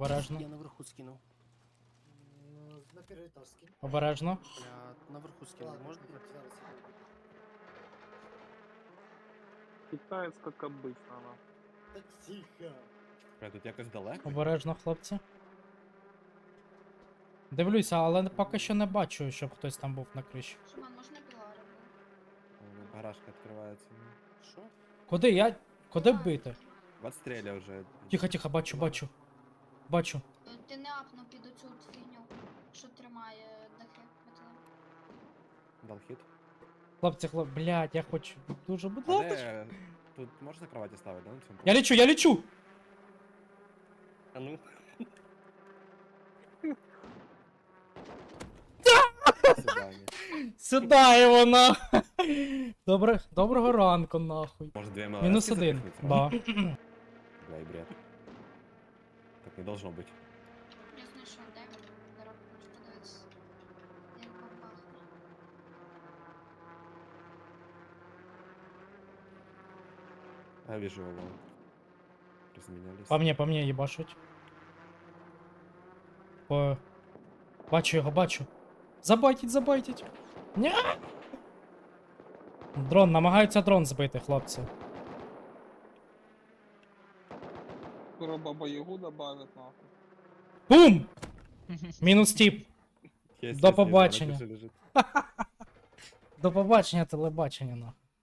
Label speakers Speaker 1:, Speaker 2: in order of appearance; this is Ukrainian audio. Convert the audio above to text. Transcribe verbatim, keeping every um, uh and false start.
Speaker 1: Обережно.
Speaker 2: Я наверху скинув.
Speaker 3: Ну, на перший етаж скинь.
Speaker 1: Обережно.
Speaker 2: Бля, наверху скинув,
Speaker 3: Ладно,
Speaker 2: можна?
Speaker 3: зараз я буду.
Speaker 4: Китаец как обычно, она.
Speaker 3: Та тихо.
Speaker 5: Бля, тут якось далеко.
Speaker 1: Обережно, хлопці. Дивлюся, але поки що не бачу, щоб хтось там був на криші.
Speaker 6: Шиман, можна пілари?
Speaker 5: О, Гаражка відкривається.
Speaker 2: Що?
Speaker 1: Куди? Я. Куди бити?
Speaker 5: Відстріля вже.
Speaker 1: Тихо, тихо, бачу, бачу. Бачу.
Speaker 6: Ти не апнув під оцю от фігню, що тримає дахи металеві.
Speaker 5: Дал хід.
Speaker 1: Хлопці, хлоп, блядь, я хочу дуже, будь
Speaker 5: А
Speaker 1: ласка.
Speaker 5: де... Тут можна кроваті ставити, да, на цьому?
Speaker 1: Я лечу, я лечу!
Speaker 2: А ну.
Speaker 5: Свидання.
Speaker 1: Сюда його нахуй. Добре, доброго ранку, нахуй.
Speaker 5: Може дві МЛС
Speaker 1: Мінус один.
Speaker 5: запихнуть?
Speaker 1: Ба.
Speaker 5: Бля, і бред. Так не должно бути.
Speaker 6: Я знайшов, де він? Зараз хочу подивитися. Як попахне.
Speaker 5: Я вижу его. Разменялись.
Speaker 1: По мне, по мне їбашуть. По... Бачу його, бачу. Забайтіть, забайтіть. Ня! Дрон, намагаються дрон збити, хлопці.
Speaker 4: Скоро Баба Ягу добавят, нахуй.
Speaker 1: Бум! Мінус тіп.
Speaker 5: Есть,
Speaker 1: До
Speaker 5: есть,
Speaker 1: побачення.
Speaker 5: есть, вона тут же лежить.
Speaker 1: До побачення, телебачення, нахуй.